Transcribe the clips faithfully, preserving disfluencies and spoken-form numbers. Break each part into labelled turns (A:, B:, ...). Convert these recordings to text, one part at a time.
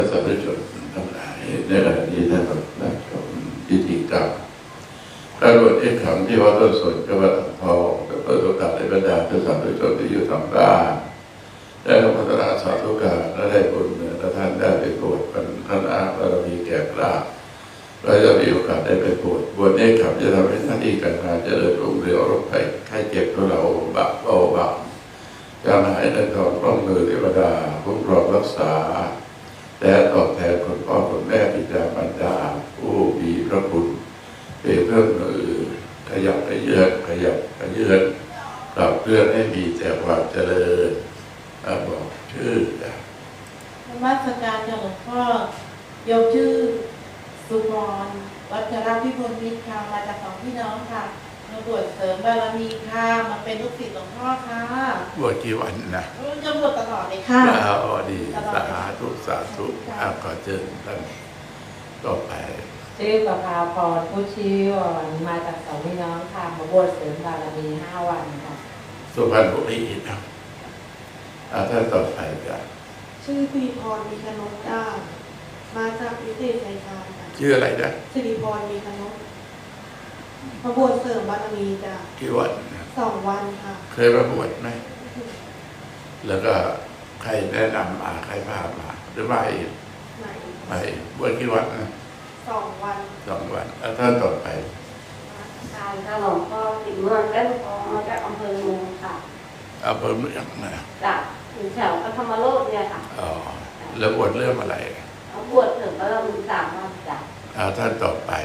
A: สาธุชนทั้งหลายในขณะนี้ท่านกำลังนั่งชมพิธีกรรมพระบทเอกคำที่วัดต้นสนจังหวัดอ่างทองและเปิดโอกาสให้บรรดาท่านสาธุชนที่อยู่ทางบ้านได้รับพัฒนาสาธุการและได้บุญเหนือท่านได้ไปโปรดเป็นท่านอาบารมีแก่กล้าเราจะมีโอกาสได้ไปโปรดบวชเอกคำจะทำให้หน้าที่การงานเจริญรุ่งเรืองโรคภัยไข้เจ็บของเราบะเบาบางจางหายในทองร่องมือเทวดาคุ้มครองรักษาและตอบแทนคุณพ่อคุณแม่บิดามารดาผู้มีพระคุณเป็นเครื่องมือขยับขยื่นขยับขยื่นปรับเพื่อนให้มีแต่ความเจริญบอกชื่อนะ
B: นมัสการเจ้าหลวงพ่อโยมชื่อสุพรวัชรพิบูลมิตรค่ะมาจากสองพี่น้องค่ะมาบวชเสริมบารมีค่ะมาเป็นลูกศิษย์หลวงพ่อค่ะ
A: บวชกี่วันนะ
B: โยมบวชตลอดเลยค่ะ
A: อ๋อดีสาธุสาธุอาขอเชิญท่านต่อไป
C: ชื่อประภาพรผู้ชีวรมาจากสองพี่น้องค่ะมาบวชเสริมบารมีห้าวันค่ะ
A: สุพรรณบุรีนะท่านต่อไปจ้ะ
B: ชื่อสิริพรมีขนมจ้ามาจากวิเศษชัยชาญค่ะ
A: ชื่ออะไรนะ
B: สิริพรมีขนมมาบวชเสริมบารมีจ้ะ
A: กี่วัน
B: สองวันค่ะ
A: เคยมาบวชไหมแล้วก็ใครแนะนำมาใครพามาหรือไม่ไม่บวชกี่วันนะ
B: สองวัน
A: สองวันแล้วท่านต่อไป
D: การถ้าหลวงพ่อติดเมืองได้หลวงพ่อมาจากอำเภอเมืองค่ะ
A: อำเภอเมืองนะ
D: จากถึงแถวธรรมโลกเนี่ยค่ะ
A: อ๋อแล้วบวชเรื่องอะไร
D: บวชถึงก็มีสามวันจ้ะ
A: ท่านต่อไป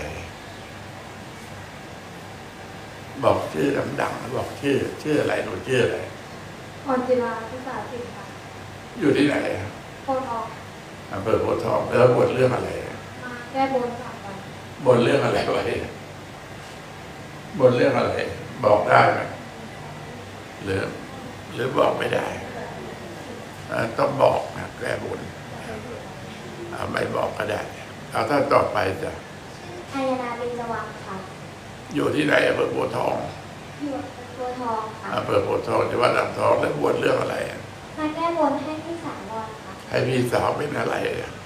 A: บอกชื่อดังๆบอกชื่อชื่ออะไรหนูชื่ออะไร
D: พรจิราภาษาสิงห์ค่ะ
A: อยู่ที่ไหน
D: โพทอง
A: อำเภอโพทองแล้วบวชเรื่องอะไร
D: มาแก้บนสามวัน
A: บนเรื่องอะไรไว้บนเรื่องอะไรบอกได้ไหมหรือหรือบอกไม่ได้ต้องบอกนะแก้บนไม่บอกก็ได้เอาถ้าต่อไปจะ
D: พายนาเป็นจังหวัดค่ะ
A: อยู่ที่ไหนอำเภอโพทอง
D: อยู่โพทองค่ะ
A: อำเภอโพทองจังหวัดอ่างทองแล้วบวชเรื่องอะไร
D: มาแก้บนให้พี่สาววันค่ะ
A: ให้พี่สาวเป็นอะไร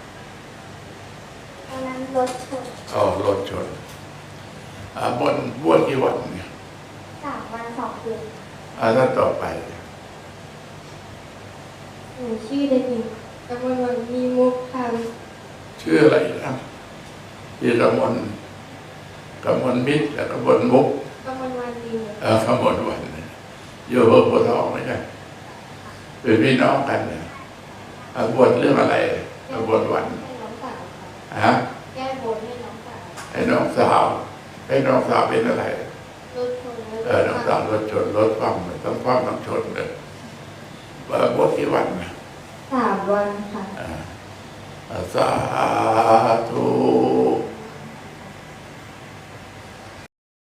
D: ตอนนั้นรถชน
A: อ๋อรถชนอ่าบนบวชกี่วันเนี่ย
D: สามวันสองคืน
A: อ่าถ้าต่อไป
D: หนูชื่อเด็กหญิงกมลวันมีมุกค่ะ
A: ชื่ออะไรนะพี่กมลกมลมิตรกับกมลมุก
D: กมลวันดี
A: เออกมลวันอยู่อำเภอโพทองไหมครับเป็นพี่น้องกันเนี่ยบวชเรื่องอะไรบวชวันฮะ
D: แก้บนให้น้องสาว
A: ให้น้องสาวให้น้องสาวเป็นอะไร
D: รถชน
A: เออน้องสาวรถชนรถคว่ำเลยต้องคว่ำต้องชนเลยบวชกี่วัน
D: สามวันค่ะ
A: สาธุ